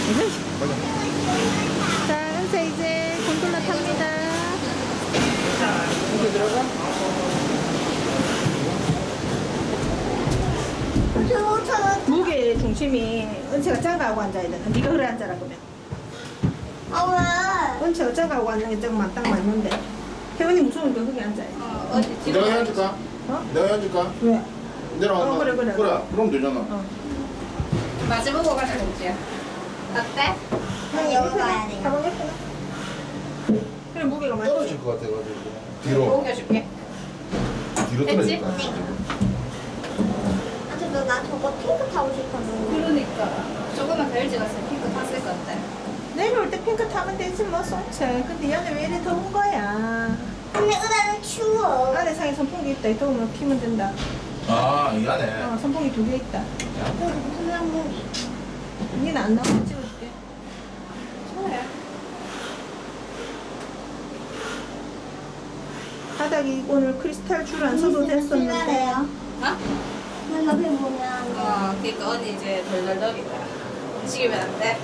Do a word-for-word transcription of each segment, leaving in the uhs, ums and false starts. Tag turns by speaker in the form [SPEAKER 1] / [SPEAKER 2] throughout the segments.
[SPEAKER 1] 자, 은채 이제 곤돌라 탑니다.
[SPEAKER 2] 이렇게 들어가?
[SPEAKER 1] 무게 중심이 은채가 작아하고 앉아야 되나? 네가 그래 앉아라 그러면.
[SPEAKER 3] 아 왜?
[SPEAKER 1] 은채가 작아하고 앉는 게 딱 맞는데. 혜원이 무서우니까 거기 앉아야 돼.
[SPEAKER 3] 어, 어디
[SPEAKER 2] 내가 해줄까?
[SPEAKER 1] 어?
[SPEAKER 2] 내가 해줄까?
[SPEAKER 1] 왜?
[SPEAKER 2] 내려가.
[SPEAKER 1] 어, 그래, 그래.
[SPEAKER 2] 그래, 그럼 되잖아.
[SPEAKER 1] 어.
[SPEAKER 3] 마주보고 가자 은지야. 어때? 난 여기 가야 돼.
[SPEAKER 1] 가방 예쁘나? 그래 무게가 많이.
[SPEAKER 2] 떨어질 것 같아가지고. 뒤로,
[SPEAKER 3] 옮겨줄게.
[SPEAKER 2] 뒤로
[SPEAKER 3] 됐지?
[SPEAKER 2] 떨어질까?
[SPEAKER 3] 네. 아, 근데 나 저거 핑크 타고 싶었는데. 그러니까. 조금만 더 일찍 왔으면 핑크 탔을 건데.
[SPEAKER 1] 내려올 때 핑크 타면 되지 뭐 송채. 근데 얘는 왜 이래 더운 거야?
[SPEAKER 3] 근데 은하는 추워.
[SPEAKER 1] 안에 상에 선풍기 있다. 더우면 피면 된다.
[SPEAKER 2] 아, 이 안에.
[SPEAKER 1] 어, 선풍기 두 개 있다.
[SPEAKER 3] 여기 무슨 항목이?
[SPEAKER 1] 니는 안 나오면 찍어줄게.
[SPEAKER 3] 좋아요.
[SPEAKER 1] 바닥이 오늘 크리스탈 줄 안 써도 됐었는데.
[SPEAKER 3] 어? 나 옆에 보면. 어, 그니까 언니 이제 덜덜덜이다. 움직이면 안 돼.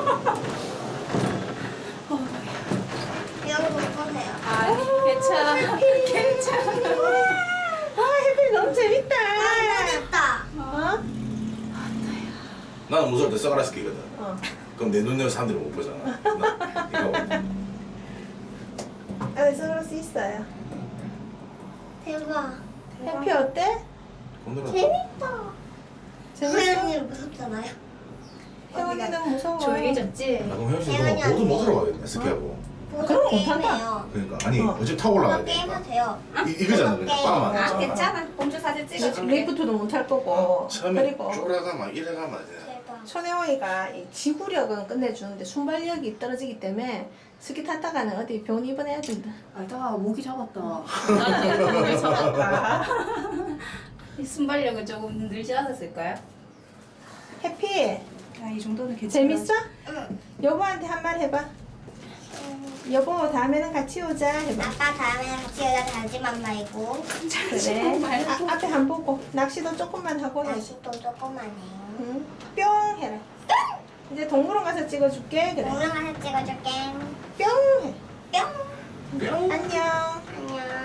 [SPEAKER 3] 여기 못 보세요. 아, 괜찮아. 괜찮아.
[SPEAKER 1] 아, 해피 너무 재밌다.
[SPEAKER 3] 아, 됐다.
[SPEAKER 1] 어?
[SPEAKER 2] 나는 무서울 때 선글라스 끼거든.
[SPEAKER 1] 어.
[SPEAKER 2] 그럼 내 눈으로 사람들이 못 보잖아. 나, 이거.
[SPEAKER 1] 아, 선글라스 있어요.
[SPEAKER 3] 대박.
[SPEAKER 1] 해피 어때?
[SPEAKER 2] 건드려.
[SPEAKER 3] 재밌다.
[SPEAKER 1] 재밌어?
[SPEAKER 3] 혜연이 무섭잖아요.
[SPEAKER 1] 혜원이는 무서워.
[SPEAKER 3] 조용해졌지?
[SPEAKER 2] 아, 그럼 혜연 씨
[SPEAKER 3] 혜연이
[SPEAKER 2] 그럼 모두 못
[SPEAKER 3] 언니.
[SPEAKER 2] 들어가겠네, 스키하고.
[SPEAKER 1] 그런 거 못한다.
[SPEAKER 3] 게임해요.
[SPEAKER 2] 그러니까. 아니,
[SPEAKER 1] 어.
[SPEAKER 2] 어차피 타고 올라가야
[SPEAKER 3] 그거 게임
[SPEAKER 2] 되니까.
[SPEAKER 3] 하세요.
[SPEAKER 2] 이, 이거잖아, 그냥
[SPEAKER 3] 게임.
[SPEAKER 2] 빵만.
[SPEAKER 3] 아,
[SPEAKER 2] 하잖아.
[SPEAKER 3] 괜찮아. 공주 사진 찍어줄게.
[SPEAKER 1] 리프트도 못 할 거고.
[SPEAKER 2] 처음에
[SPEAKER 1] 그리고
[SPEAKER 2] 쪼라가면 이래가면 안 돼.
[SPEAKER 3] 대박.
[SPEAKER 1] 손혜원이가 이 지구력은 끝내주는데 순발력이 떨어지기 때문에 스키 탔다가는 어디 병원 입원해야 된다.
[SPEAKER 4] 알다 모기 잡았다.
[SPEAKER 3] 나는 공주 잡았다. 이 순발력은 조금 늘지 않았을까요?
[SPEAKER 1] 해피
[SPEAKER 4] 아, 이 정도는 괜찮아.
[SPEAKER 1] 재밌어?
[SPEAKER 3] 응.
[SPEAKER 1] 여보한테 한 말 해봐. 여보 다음에는 같이 오자 해봐.
[SPEAKER 3] 아빠 다음에 같이 여자 달지만 말고.
[SPEAKER 1] 그래. 아, 앞에 안 보고 낚시도 조금만 하고 해.
[SPEAKER 3] 날씨도 조금만 해요.
[SPEAKER 1] 응. 뿅 해라. 이제 동물원 가서 찍어줄게. 그래.
[SPEAKER 3] 동영상 찍어줄게.
[SPEAKER 1] 뿅 해.
[SPEAKER 3] 뿅.
[SPEAKER 1] 안녕.
[SPEAKER 3] 안녕.